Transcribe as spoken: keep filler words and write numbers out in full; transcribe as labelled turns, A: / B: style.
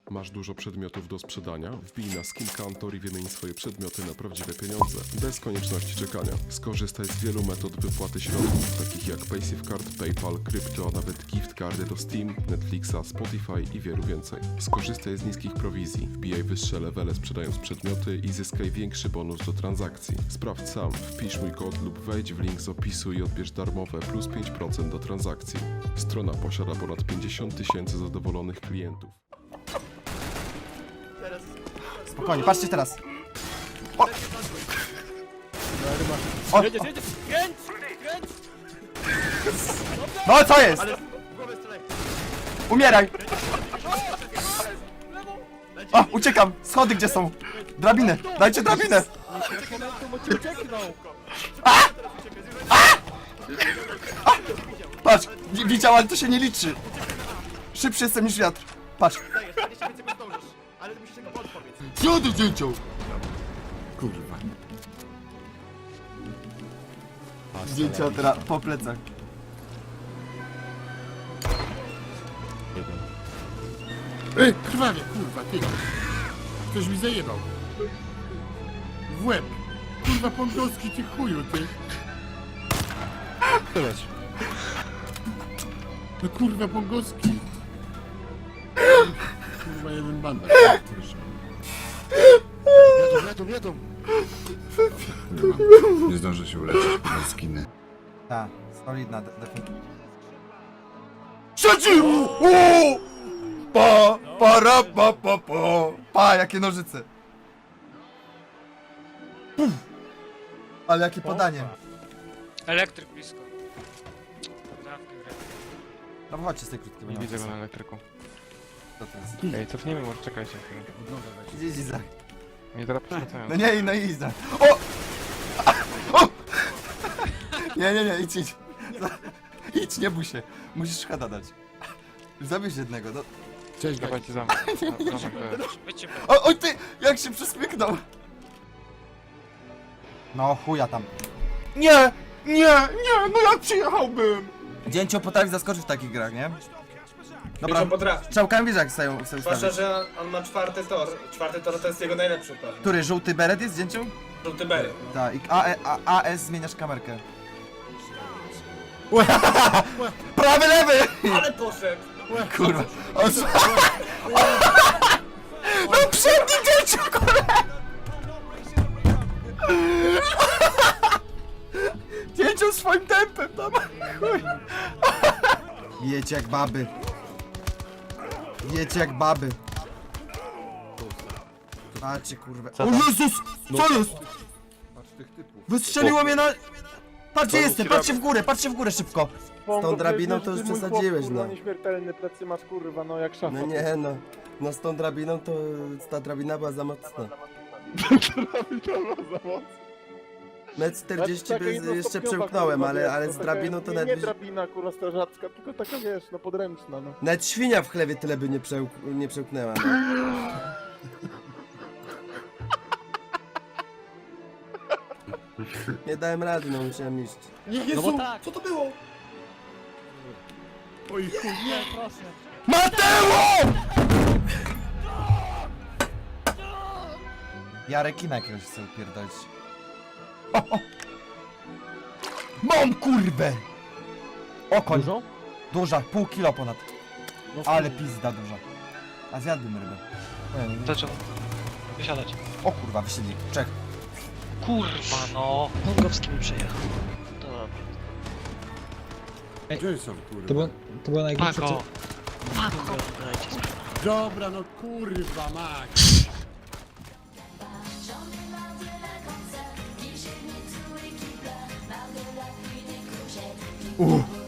A: Masz dużo przedmiotów do sprzedania? Wbij na Skin Counter i wymień swoje przedmioty na prawdziwe pieniądze, bez konieczności czekania. Skorzystaj z wielu metod wypłaty środków, takich jak PaySafeCard, PayPal, Krypto, a nawet gift cardy do Steam, Netflixa, Spotify i wielu więcej. Skorzystaj z niskich prowizji, wbijaj wyższe levele sprzedając przedmioty i zyskaj większy bonus do transakcji. Sprawdź sam, wpisz mój kod lub wejdź w link z opisu i odbierz darmowe plus pięć procent do transakcji. Strona posiada ponad pięćdziesiąt tysięcy zadowolonych klientów.
B: Spokojnie, patrzcie teraz.
C: O!
B: O!
C: Jedziesz, jedziesz! Kręć! Kręć!
B: No co jest? Umieraj! O, uciekam! Schody gdzie są? Drabinę! Dajcie drabinę! Patrz! wi- Widział, ale to się nie liczy! Szybszy jestem niż wiatr! Patrz! Co ty dziecią? Kurwa. Zdjęcia teraz po plecach.
D: Ej, krwawie, kurwa, ty. Ktoś mi zajebał. W łeb. Kurwa, pongowski, ty chuju, ty.
C: Tyle.
D: No kurwa, pongowski. Kurwa, jeden bandar.
C: Jadą, jadą, jadą!
D: Nie zdążę się uleczyć, kurwa, skiny.
B: Ta, solidna definicja. Siedzi! Pa, para, pa, pa, pa. Pa, jakie nożyce. Puf. Ale jakie podanie.
E: Elektryk blisko.
B: No chodźcie z tej krótkiej.
F: Nie widzę go na elektryku.
B: Co to jest?
F: Ej, cofnijmy, może czekajcie.
B: Idź, idź, Izak.
F: Nie teraz przerzucają.
B: No nie, no idź, Izak. O! O! Nie, nie, nie, idź, idź. Idź, nie bój się. Musisz szkoda dać. Zabierz jednego, no.
D: Cześć,
F: Dawajcie za mną. Za- za mną, to jest.
E: Wyjdźcie
B: O, oj ty! Jak się przesmyknął! No chuja tam. Nie! Nie! Nie! No jak przyjechałbym! Dzięcio potrafi zaskoczyć w takich grach, nie? Dobra,
G: Potrafi.
B: strzałkami wiesz jak stają, stają
G: Zwłaszcza,
B: stawić.
G: że on ma czwarty tor. Czwarty tor to jest jego najlepszy tor.
B: Który, żółty beret jest zdjęcią?
G: Żółty Berry.
B: Tak, i A, E, A, A S zmieniasz kamerkę. Prawy, lewy!
G: Ale poszedł!
B: Kurwa. On... No przedni dzieciu, kurwa! Dzieciu swoim tempem tam. Chuj. Wiecie jak baby. Wiecie jak baby. Patrzcie kurwa. O Jezus! Co jest? Wystrzeliło mnie na... Patrzcie jestem, patrzcie w górę, patrzcie w górę szybko. Z tą drabiną to już przesadziłeś, no.
H: Nieśmiertelny plecy masz kurwa, no jak szafa.
B: No nie no. No z tą drabiną to ta drabina była za mocna. Metr czterdzieści bez, jeszcze przełknąłem, ale, ale z drabiną to
H: nie, nie
B: nawet...
H: drabina kurwa strażacka, tylko taka wiesz, no podręczna, no.
B: Nawet świnia w chlewie tyle by nie, przełk, nie przełknęła. No. Nie dałem rady, no musiałem iść.
D: Nie,
C: No
D: Jezu!
C: bo tak!
G: Co to było?
D: Oj, chuj, nie.
C: Proszę!
B: Mateo! Ja rekina jakiegoś chcę upierdolić. O, o. Mam kurwę! Okoń.
C: Dużo?
B: Duża, pół kilo ponad.
C: No,
B: Ale pizda duża. A zjadłbym rybę. Nie, nie, nie.
E: Zaczął wysiadać.
B: O kurwa, wysiedli. Czek.
E: Kurwa no! Pongowski mi przyjechał. Dobra.
D: Gdzie są, kurwa?
I: To było, to było najgorsze,
E: Pago!
I: co...
E: Pago! Dajcie spokój.
D: Dobra, no kurwa, mać.
B: Uff.